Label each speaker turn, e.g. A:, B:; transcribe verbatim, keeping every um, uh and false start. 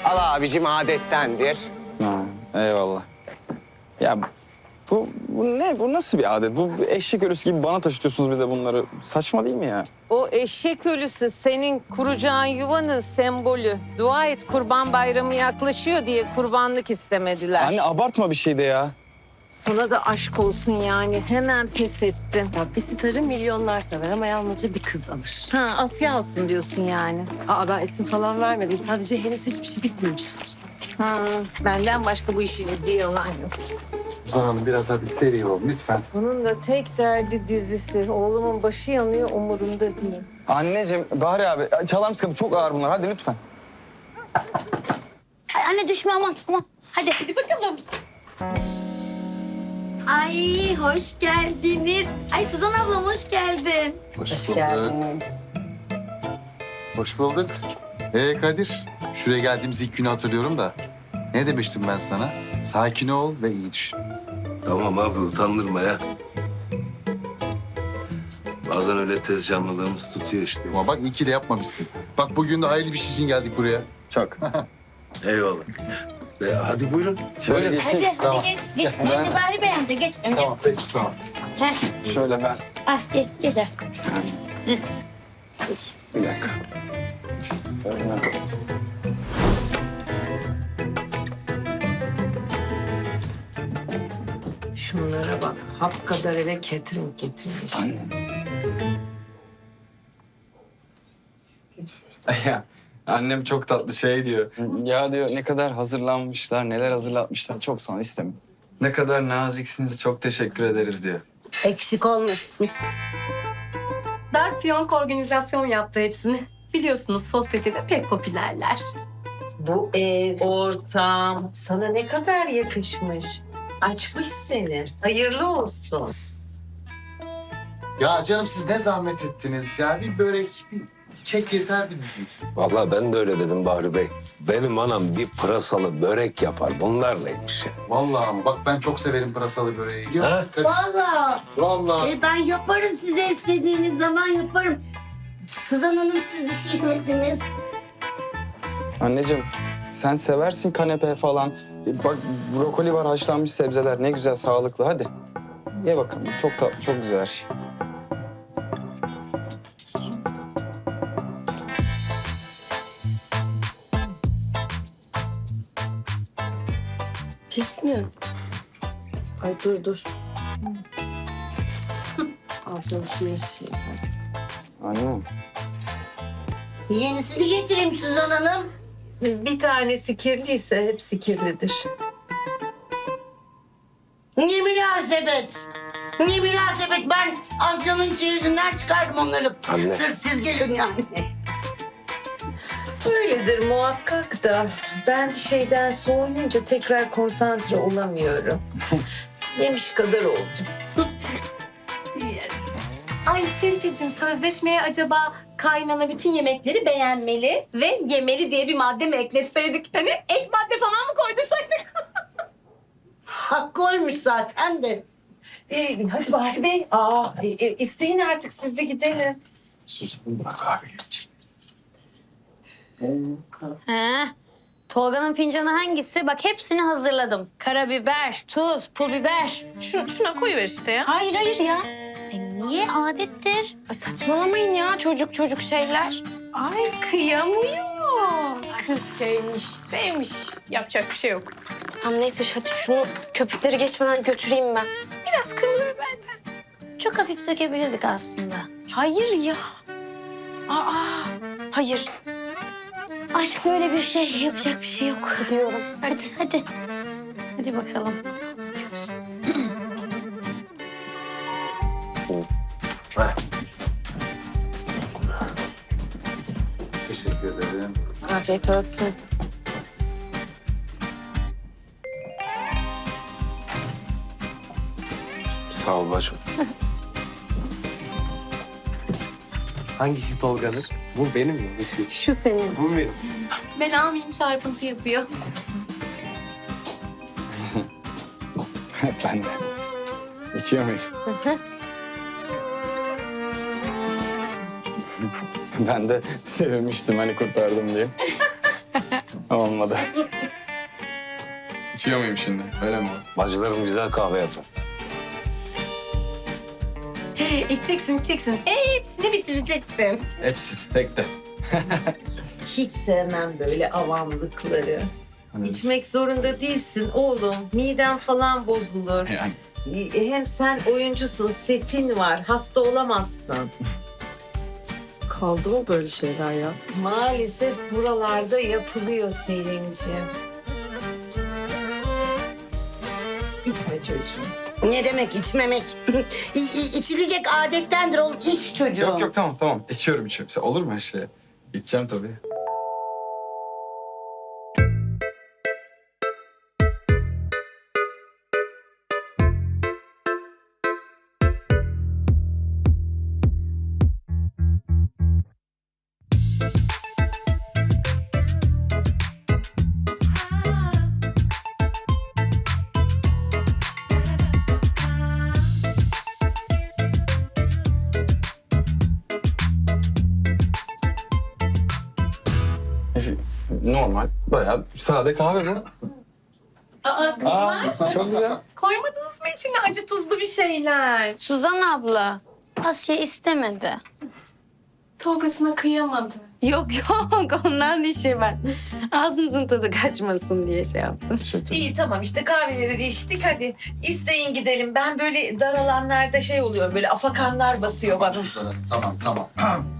A: Al abicim, adettendir.
B: Ha, eyvallah. Ya bu, bu ne? Bu nasıl bir adet? Bu eşek ölüsü gibi bana taşıtıyorsunuz bir de bunları. Saçma değil mi ya?
C: O eşek ölüsü senin kuracağın yuvanın sembolü. Dua et Kurban Bayramı yaklaşıyor diye kurbanlık istemediler.
B: Anne abartma bir şey de ya.
C: Sana da aşk olsun yani. Hemen pes ettin.
D: Ya bir starı milyonlar sever ama yalnızca bir kız alır.
C: Ha, Asya alsın diyorsun yani.
D: Aa ben isim falan vermedim. Sadece henüz hiçbir şey bitmemiştir.
C: Ha, benden başka bu işi ciddiye alan yok.
E: Suzan Hanım biraz hadi seri ol lütfen.
C: Bunun da tek derdi dizisi. Oğlumun başı yanıyor, umurunda değil.
B: Anneciğim, Bahri abi çalar mısın? Çok ağır bunlar. Hadi lütfen.
F: Ay anne düşme aman aman. Hadi. Hadi bakalım. Ay hoş geldiniz. Ay Suzan ablam hoş geldin.
E: Hoş, bulduk. geldiniz. Hoş bulduk. Ee Kadir, şuraya geldiğimiz ilk günü hatırlıyorum da. Ne demiştim ben sana? Sakin ol ve iyi düşün.
G: Tamam abi utandırma ya. Bazen öyle tez canlılığımız tutuyor işte.
E: Ama bak iyi ki de yapmamışsın. Bak bugün de hayırlı bir şey için geldik buraya.
B: Çok.
G: Eyvallah. Ve hadi buyurun.
B: Şöyle geçeyim.
F: Hadi
E: Tamam.
F: hadi geç. Geç. Önce Bahri Bey amca geç. Önce.
E: Tamam peki sağ ol.
F: Heh.
B: Şöyle ben.
F: Ah geç geç.
B: Bir saniye. Bir dakika. Şöyle ben.
C: Şunlara bak. Hap kadar eve catering getirmiş.
B: Anne. Ya annem çok tatlı şey diyor. Ya diyor ne kadar hazırlanmışlar, neler hazırlatmışlar. Çok sonra istemiyorum. Ne kadar naziksiniz, çok teşekkür ederiz diyor.
H: Eksik olmasın.
D: Dark Fiyonk organizasyon yaptı hepsini. Biliyorsunuz sosyetede pek popülerler.
C: Bu ev, ortam sana ne kadar yakışmış. Açmış seni. Hayırlı olsun.
E: Ya canım siz ne zahmet ettiniz ya. Bir börek, bir kek yeterdi bizim için.
I: Vallahi ben de öyle dedim Bahri Bey. Benim anam bir pırasalı börek yapar. Bunlar neymiş ya?
E: Vallahi ama bak ben çok severim pırasalı böreği. Biliyor musun Kadir?
H: Vallahi
E: Vallahi.
H: e, ben yaparım size istediğiniz zaman yaparım. Suzan Hanım siz bir şey yemediniz.
B: Anneciğim sen seversin kanepe falan. E, Bak brokoli var, haşlanmış sebzeler. Ne güzel, sağlıklı. Hadi. Ye bakalım. Çok tatlı, çok güzel her şey.
D: Pis mi? Ay dur dur. Altına şunu şey yaparsın.
B: Anne.
H: Yenisini getireyim Suzan Hanım.
C: Bir tanesi kirliyse hepsi kirlidir.
H: Ne münasebet. Ne münasebet. Ben Asya'nın çeyizinden çıkardım onları.
I: Anne.
H: Sırf siz gelin yani.
C: Öyledir muhakkak da ben bir şeyden soğuyunca tekrar konsantre olamıyorum. Yemiş kadar oldum.
D: Ay Şerifeciğim sözleşmeye acaba kaynana bütün yemekleri beğenmeli ve yemeli diye bir madde mi ekletseydik? Hani ek madde falan mı koydursaydık?
H: Hak koymuş zaten de.
C: Ee, hadi Bahri Bey. Aa, e, e, isteyin artık siz de gidelim.
E: Suzan bak abi.
F: He. Tolga'nın fincanı hangisi? Bak hepsini hazırladım. Karabiber, tuz, pul biber.
D: Şuna, şuna koyuver işte ya.
F: Hayır hayır ya. E niye adettir?
D: Ay saçmalamayın ya çocuk çocuk şeyler. Ay kıyamıyor. Kız sevmiş, sevmiş. Yapacak bir şey yok.
J: Tamam neyse hadi şunu köpükleri geçmeden götüreyim ben.
D: Biraz kırmızı biber.
F: Çok hafif dökebilirdik aslında.
J: Hayır ya. Aa, hayır.
F: Aşk böyle bir şey. Yapacak bir şey yok.
J: Gidiyorum.
F: Hadi hadi. Hadi bakalım.
E: Teşekkür ederim.
J: Afiyet olsun.
I: Sağ ol bacım.
K: Hangisi Tolga'nın? Bu benim mi?
J: Şu senin.
K: Bu benim.
D: Ben almayayım çarpıntı yapıyor.
B: Sen de. İçiyor muyuz? Ben de sevinmiştim hani kurtardım diye. Olmadı. İçiyor muyum şimdi? Öyle mi o?
I: Bacılarım güzel kahve yapar.
D: İçeceksin, içeceksin. Hepsini bitireceksin.
B: Hepsi tek de.
C: Hiç sevmem böyle avamlıkları. İçmek zorunda değilsin oğlum. Miden falan bozulur.
B: Yani.
C: Hem sen oyuncusun, setin var. Hasta olamazsın.
J: Kaldı mı böyle şeyler ya?
C: Maalesef buralarda yapılıyor Selin'ciğim. İçme çocuğum.
H: Ne demek içmemek? İ- i- İçilecek adettendir oğlum. İç çocuğum.
B: Yok yok tamam tamam. İçiyorum içiyorum. Sen- Olur mu her şey? İçeceğim tabii. Normal. Bayağı sade kahve bu.
D: Aa kızlar,
B: Çok güzel.
D: koymadınız mı içine acı tuzlu bir şeyler?
F: Suzan abla, Asya istemedi.
D: Tolgasına kıyamadı.
J: Yok yok ondan değil şey ben. Ağzımızın tadı kaçmasın diye şey yaptım.
C: İyi tamam işte kahveleri de içtik hadi. İsteyin gidelim. Ben böyle dar alanlarda şey oluyor böyle afakanlar basıyor bana.
E: Tamam tamam.